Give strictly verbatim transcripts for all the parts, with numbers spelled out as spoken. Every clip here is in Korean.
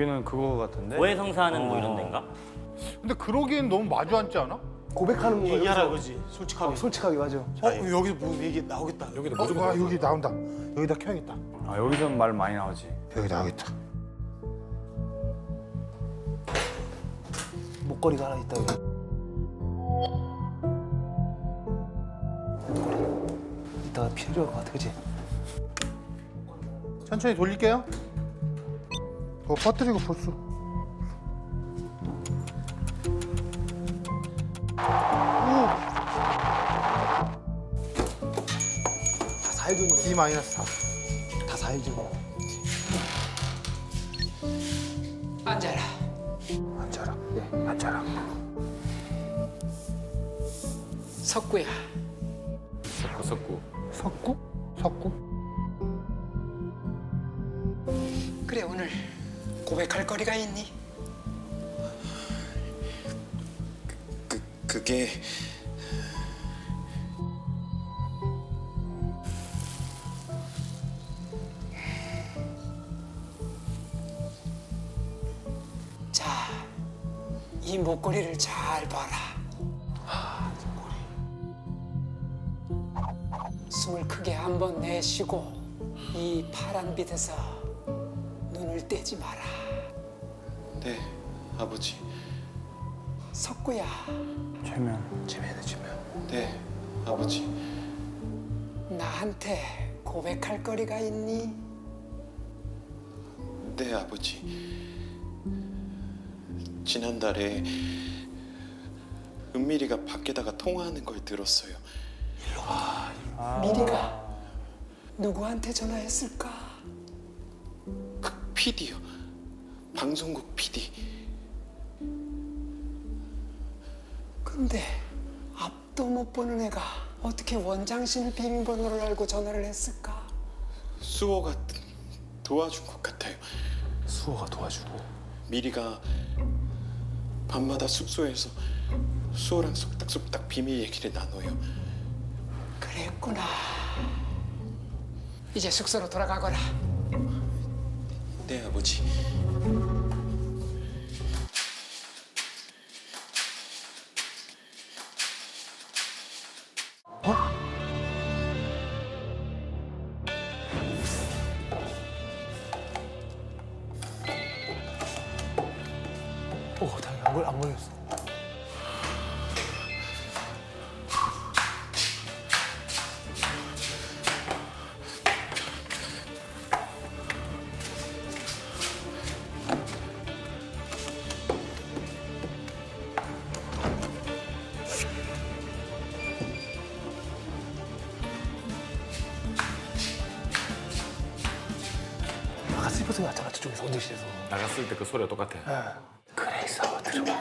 여기는 그거 같은데? 고해성사하는 뭐 어. 이런 데인가? 근데 그러기엔 너무 마주 앉지 않아? 고백하는 거 얘기하라 그러지, 솔직하게. 어, 솔직하게 맞아. 어, 여기서 뭐 얘기 나오겠다. 여기도 어, 무조건 아, 여기 나온다. 여기다 켜야겠다. 아, 여기서는 말 많이 나오지. 여기 나오겠다. 목걸이가 하나 있다 여기. 이따가 필요할 것 같아, 그치? 천천히 돌릴게요. 그거 퍼뜨리고 볼수. 다 사해주는 거야. D 마이너스 사. 다 사해주는 거야. 앉아라. 앉아라. 네, 앉아라. 석구야. 섞고 섞고. 석구? 석구? 그래 오늘 고백할 거리가 있니? 그, 그게... 자, 이 목걸이를 잘 봐라. 숨을 크게 한 번 내쉬고 이 파란 빛에서 눈을 떼지 마라. 네, 아버지. 석구야, 최면. 재미있네, 재미있네. 네, 아버지. 나한테 고백할 거리가 있니? 네, 아버지. 지난달에 은밀이가 밖에다가 통화하는 걸 들었어요. 미리가 누구한테 전화했을까? 그 피디요. 방송국 피디. 근데 앞도 못 보는 애가 어떻게 원장실 비밀번호를 알고 전화를 했을까? 수호가 도와준 것 같아요. 수호가 도와주고. 미리가 밤마다 숙소에서 수호랑 속닥속닥 비밀 얘기를 나눠요. 그랬구나. 이제 숙소로 돌아가거라. 네, 아버지. 오, 다행히 안, 걸, 안 걸렸어. 아까 슬퍼 소리 났잖아, 저쪽에서, 원장실에서. 나갔을 때 그 소리가 똑같아. 그래서 들어봐.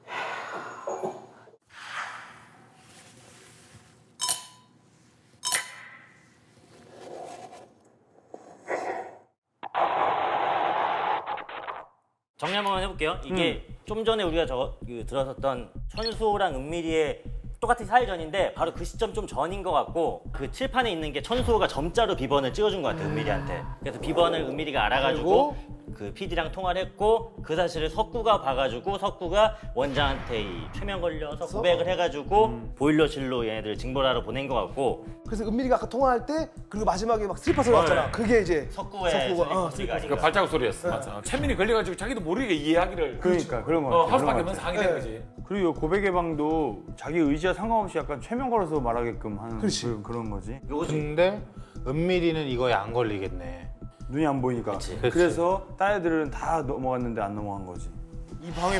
정리 한번 해볼게요. 이게 음. 좀 전에 우리가 저, 그, 들었었던 천수호랑 은밀이의 똑같은 사회전인데 바로 그 시점 좀 전인 것 같고 그 칠판에 있는 게 천수호가 점자로 비번을 찍어준 것 같아요, 은밀이한테. 그래서 비번을 은밀이가 알아가지고 그 피디랑 통화를 했고 그 사실을 석구가 봐가지고 석구가 원장한테 이 최면 걸려서 고백을 해가지고 음. 보일러실로 얘네들을 징벌하러 보낸 것 같고 그래서 은밀이가 아까 통화할 때 그리고 마지막에 막 슬퍼 소리 났잖아. 그게 이제 석구의 석구가, 어, 소리가 그 아닌가. 발자국 소리였어. 맞아. 최민이 걸려가지고 자기도 모르게 이해하기를. 그러니까 그런 거 어, 같아. 할 수밖에 그런 거 없는 같아. 상황이 된 거지. 그리고 이 고백의 방도 자기 의지와 상관없이 약간 최면 걸어서 말하게끔 하는 그, 그런 거지. 요거지. 근데 은밀이는 이거에 안 걸리겠네. 눈이 안 보이니까. 그치. 그래서 딴 애들은 다 넘어갔는데 안 넘어간 거지. 이 방에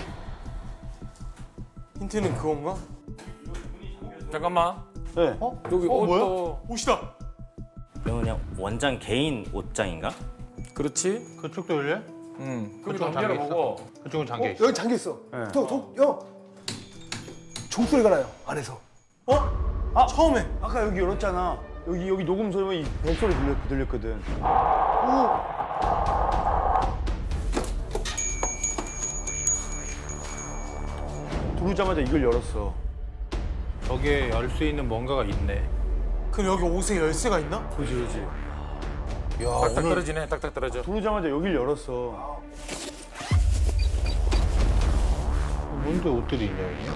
힌트는 그건가? 잠깐만. 네. 어? 여기 어, 옷도. 뭐야? 옷이다. 이건 그냥 원장 개인 옷장인가? 그렇지. 그쪽도 열려? 응. 그쪽은 그쪽은 잠겨 열어보고. 그쪽은 잠겨 어, 있어. 여기 잠겨 있어. 네. 도, 도, 여. 종소리가 나요 안에서. 어? 아 처음에 아까 여기 열었잖아. 여기 여기 녹음 소리면 이 벨소리 들렸, 들렸거든. 들어오자마자 이걸 열었어. 저기에 열 수 있는 뭔가가 있네. 그럼 여기 옷에 열쇠가 있나? 그렇지 그렇지. 야, 딱딱 오늘 떨어지네. 딱딱 떨어져. 들어오자마자 여길 열었어. 뭔데 옷들이 있냐 여기?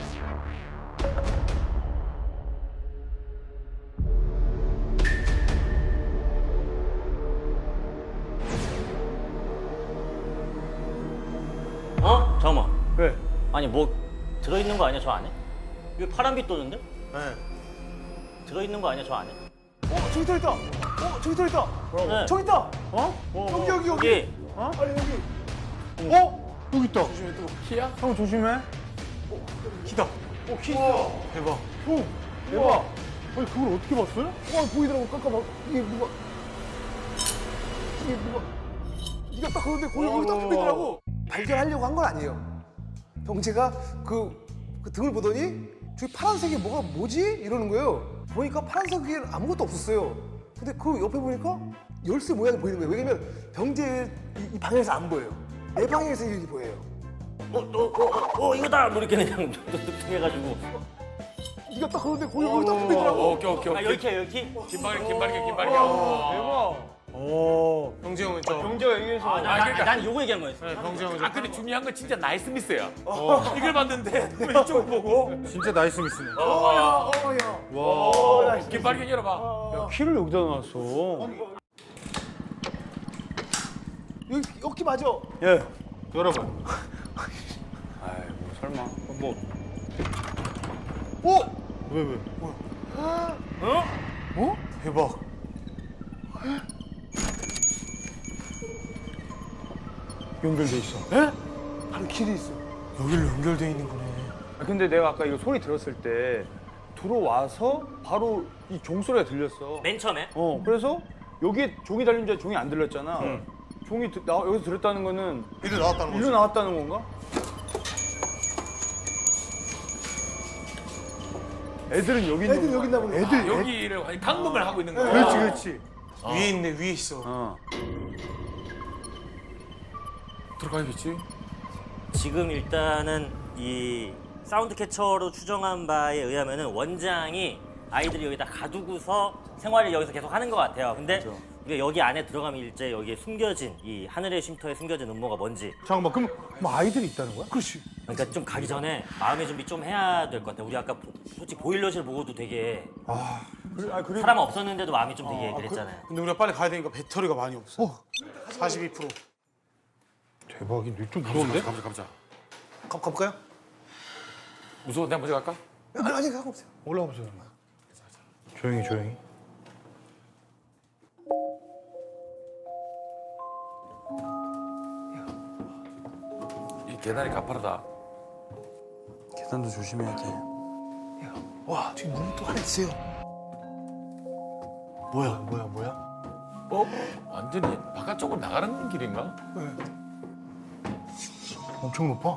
어? 잠깐만. 왜? 아니 뭐 들어있는 거 아니야 저 안에? 이거 파란빛 도는데? 네. 들어있는 거 아니야 저 안에? 어 저기 더 있다. 어 저기 더 있다. 네. 저기 있다. 어? 여기 여기 여기. 여기 어? 아니 여기. 어? 여기 있다. 조심해 또 키야? 형 조심해. 키다. 어, 키 있어. 대박. 형, 대박. 아니, 그걸 어떻게 봤어요? 어 보이더라고. 깜깜 이게 누가 이게 누가 네가 딱 그런데 거기 거기 딱 보이더라고. 발견하려고 한 건 아니에요. 병재가 그, 그 등을 보더니 저기 파란색이 뭐가 뭐지? 이러는 거예요. 보니까 파란색에 아무것도 없었어요. 근데 그 옆에 보니까 열쇠 모양이 보이는 거예요. 왜냐면 병재 이, 이 방향에서 안 보여요. 내 방향에서 이렇게 보여요. 어, 어, 어, 어, 어 이거다! 뭐 이렇게 그냥 뚝뚝 해가지고 네가 딱 그런데 거기 거기 딱 어, 보이더라고. 오케이 오케이 아 오케이. 여기 여기? 김발이 김발이 김발이. 어. 대박. 오. 병재 형은 저 병재가 얘기해서. 아, 나, 아, 나, 그러니까. 난 요거 얘기한 거였어. 네, 병재 형은 저 아 근데 중요한 건 진짜 나이스 미스야. 이걸 봤는데 왼쪽 보고. 진짜 나이스 미스네. 어야. 와. 김발이 열어봐. 야, 키를 여기다 놨어. 여기 여기 맞아. 예. 열어봐. 아이, 뭐 설마. 뭐 오. 왜 왜? 어? 대박. 연결돼 있어. 바로 길이 있어. 여기로 연결돼 있는 거네. 아, 근데 내가 아까 이거 소리 들었을 때 들어와서 바로 이 종소리가 들렸어. 맨 처음에? 어, 그래서 여기에 종이 달린 줄 알고 종이 안 들렸잖아. 종이 드- 나, 여기서 들었다는 거는 이리 나왔다는 일로 거지. 나왔다는 건가? 애들은 여기 있는 애들 거야. 여기 있나 보네. 애들 애- 여기를 아니, 감금을 하고 있는 거야. 그렇지, 그렇지. 위에 있네 위에 있어. 어. 들어가야겠지. 지금 일단은 이 사운드 캐쳐로 추정한 바에 의하면은 원장이 아이들이 여기다 가두고서 생활을 여기서 계속 하는 것 같아요. 근데 우리가 여기 안에 들어가면 일제 여기에 숨겨진 이 하늘의 쉼터에 숨겨진 음모가 뭔지 잠깐만, 그럼 뭐 아이들이 있다는 거야? 그렇지. 그러니까 좀 가기 전에 마음의 준비 좀 해야 될 것 같아. 우리 아까 보- 솔직히 보일러실 보고도 되게 그래, 아, 그래. 사람 없었는데도 마음이 좀 되게 그랬잖아요. 근데 우리가 빨리 가야 되니까 배터리가 많이 없어. 사십이 퍼센트. 대박인데 좀 무서운데? 가보자 가보자. 가 가볼까요? 무서워 내가 먼저 갈까? 아니 아니 가고 없어요. 올라가 보세요. 조용히 조용히. 이 계단이 가파르다. 계단도 조심해야 돼. 와 저기 문이 또 하나 있어요. 뭐야, 뭐야, 뭐야? 어? 완전히 바깥쪽으로 나가는 길인가? 엄청 높아.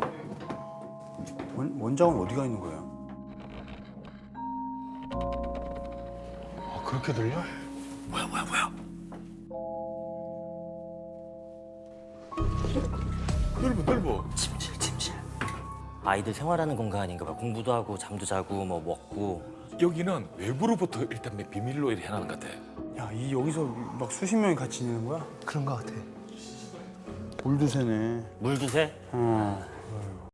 원, 원장은 어디가 있는 거야? 아, 그렇게 들려? 뭐야 뭐야 뭐야. 넓어 넓어. 침실, 침실. 아이들 생활하는 공간인가 봐. 공부도 하고 잠도 자고 뭐 먹고. 여기는 외부로부터 일단 비밀로 이렇게 해놓은 것 같아. 야, 이 여기서 막 수십 명이 같이 지내는 거야? 그런 거 같아. 물도 새네. 물도 새? 어.